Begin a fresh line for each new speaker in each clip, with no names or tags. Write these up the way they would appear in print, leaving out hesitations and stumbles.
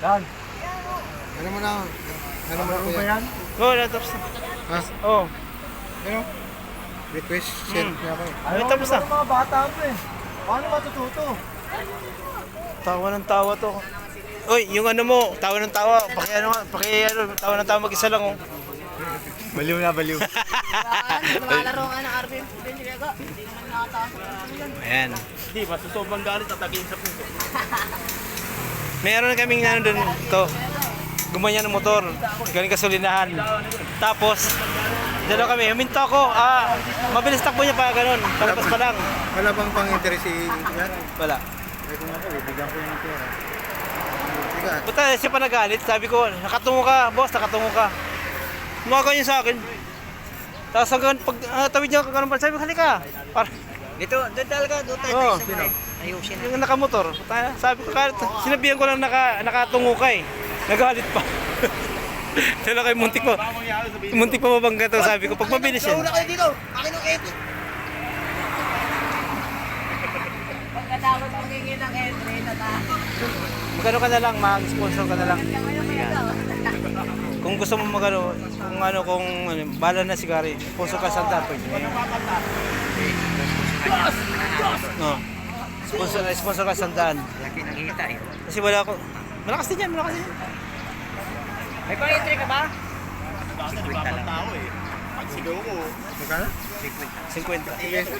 Yan.
Ano mo na? Ano mo
Ano
na
ba
yan?
yan?
Oo, natapos na.
Ha?
Oo.
Ano? Request send niya ako.
Ay, tapos na.
Ano mga bata mo eh. Paano matututo?
Tawa ng tawa to. Uy, yung ano mo, tawa ng tawa. Tawa ng tawa mag-isa lang oh.
Baliw na baliw.
Naglalaro ka ng RPM po din, Diego. Hindi naman nakataas.
Ayan.
Hindi, masusobang galit at tagin sa puso.
Meron kaming ano doon to. Gumanya ng motor. Galing kasulinahan. Tapos, dalawa kami. Huminto ako. Mabilis takbo niya pa ganun. Palabas pa lang.
Wala bang pang-interest si yan?
Wala.
Ay kung ako, bibigyan ko yung pera. Sige.
Buta, siya pa nagalit. Sabi ko, nakatungo ka, boss, nakatungo ka. Umaga niya sa akin. Tapos hanggang pag tawid niya kagano'n pa, sabi ko, halika.
Dito, doon talaga, doon tayo
Oo.
sa may ayusin na.
Yung nakamotor, sabi ko, sinabihan ko lang nakatungo ka eh. Nagalit pa. Tala kayo, muntik pa mabangga to. Sabi ko, pag mabilis yan.
Nauna kayo dito, akin ang edit. Pagkatapos magiging ng entry,
Magano ka na lang, mag-sponsor ka na lang. Kung gusto mo magano, kung bala na si Gary, sponsor ka sa daan, pwede na yun. No. Sponsor ka sa daan.
Laki ng hita eh.
Kasi wala ako. Malakas din yan, malakas din yan.
May pang-entry ka ba?
Dati di ba ang tao eh. Pag sigaw ko,
Magkano?
50.
Pesos?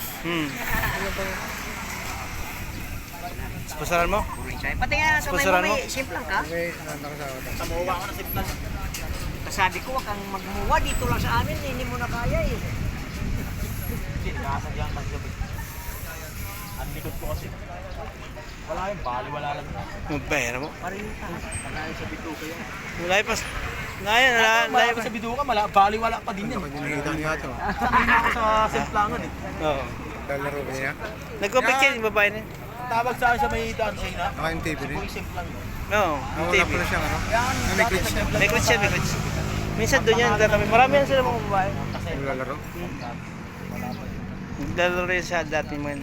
Sponsoran mo?
Pati nga kamay mo
Sponsoran mo?
may simplang ka.
Okay, nakasawa tayo.
samuwa ko na simplan.
Sabi ko, wag kang magmuwa dito lang sa amin, hindi mo na kaya eh.
Hindi, nakasadyang maggabi. Ang likod ko kasi. Wala yung bali, wala lang.
Magpahira mo.
Parinta.
Malayo sa bituka yan.
Wala pa. Ngayon, wala
Malayo
pa.
sa bituka, bali, wala pa din yan.
Ako dinihita niya ito.
Sabi na ako sa simplangan eh.
Oo.
Lalaro ba niya?
Nag-compete yan, yung babae na yun.
Tawag sa akin sa may daan siya na.
Naka yung TV rin.
Kung simplang yun.
Oo, yung
Nawala
TV.
pala siyang ano?
Yan,
May glitch siya.
May coach yan, may coach. Minsan doon yan, kami. Marami yan sila mga babae.
Naglalaro?
Naglalaro rin siya dati mo yun.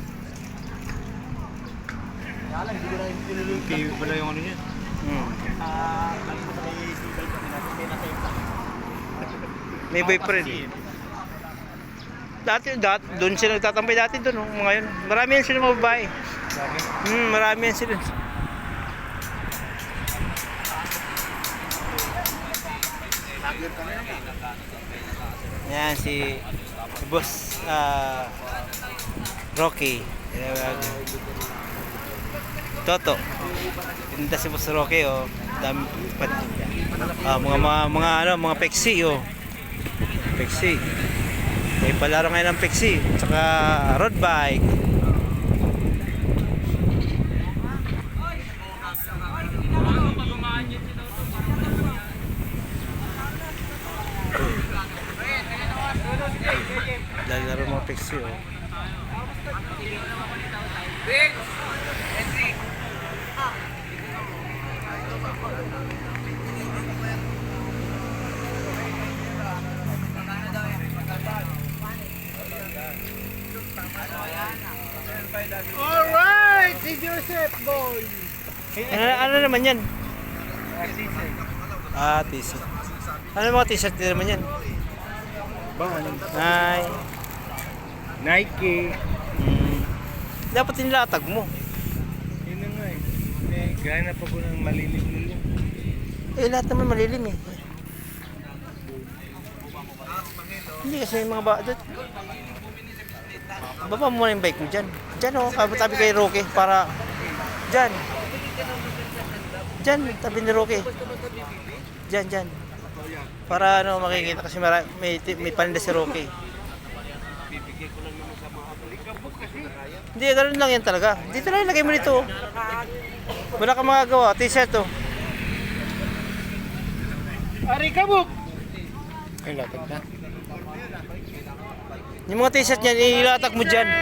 Kaya lang, hindi ko na yung tinuloy.
TV pala yung ano niya.
Alam ko sa may sibal kami natin, hindi na simplang.
May boyfriend. Dati, doon sila nagtatampay dati doon, mga yun. Marami yan sila mga babae. Marami yan sila. Yan si Boss Rocky. Toto. Tinda si Boss Rocky oh. Dami mga peksi oh. Peksi. May palaro ngayon ng peksi, tsaka road bike. Lalaro mga peksi oh.
Alright, si Joseph boy.
Ano naman yan? T-shirt. Ano mga t-shirt din naman yan?
Bang ano?
Ay.
Nike.
Dapat nilatag mo.
Yun na nga eh. Gaya na pa ko ng malilim-lilim.
Lahat naman malilim eh. Hindi kasi may mga doon. Baba mo muna yung bike mo dyan. Dyan o, tabi kay Roque para... Dyan. Dyan, tabi ni Roque. Dyan. Para ano makikita kasi may paninda si Roque. Hindi, ganoon lang yan talaga. Dito lang ilagay mo dito. Wala kang magagawa. T-shirt to.
Ari kabuk.
Ay, latag na.
Yung mga t-shirt niyan, ilatak mo dyan.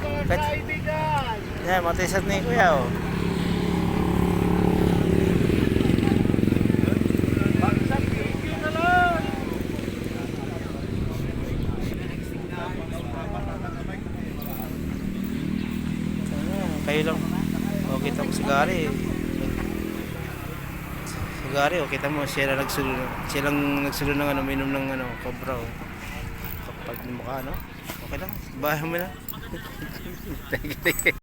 Yan, mga t-shirt ni Kuya oh. Kayo lang. O, kita mo si Gary. Gari, oh, kita mo, silang nagsulo ng ano, minom ng ano, cobra, oh. Kapag mukha, no? Okay lang, bahay mo na.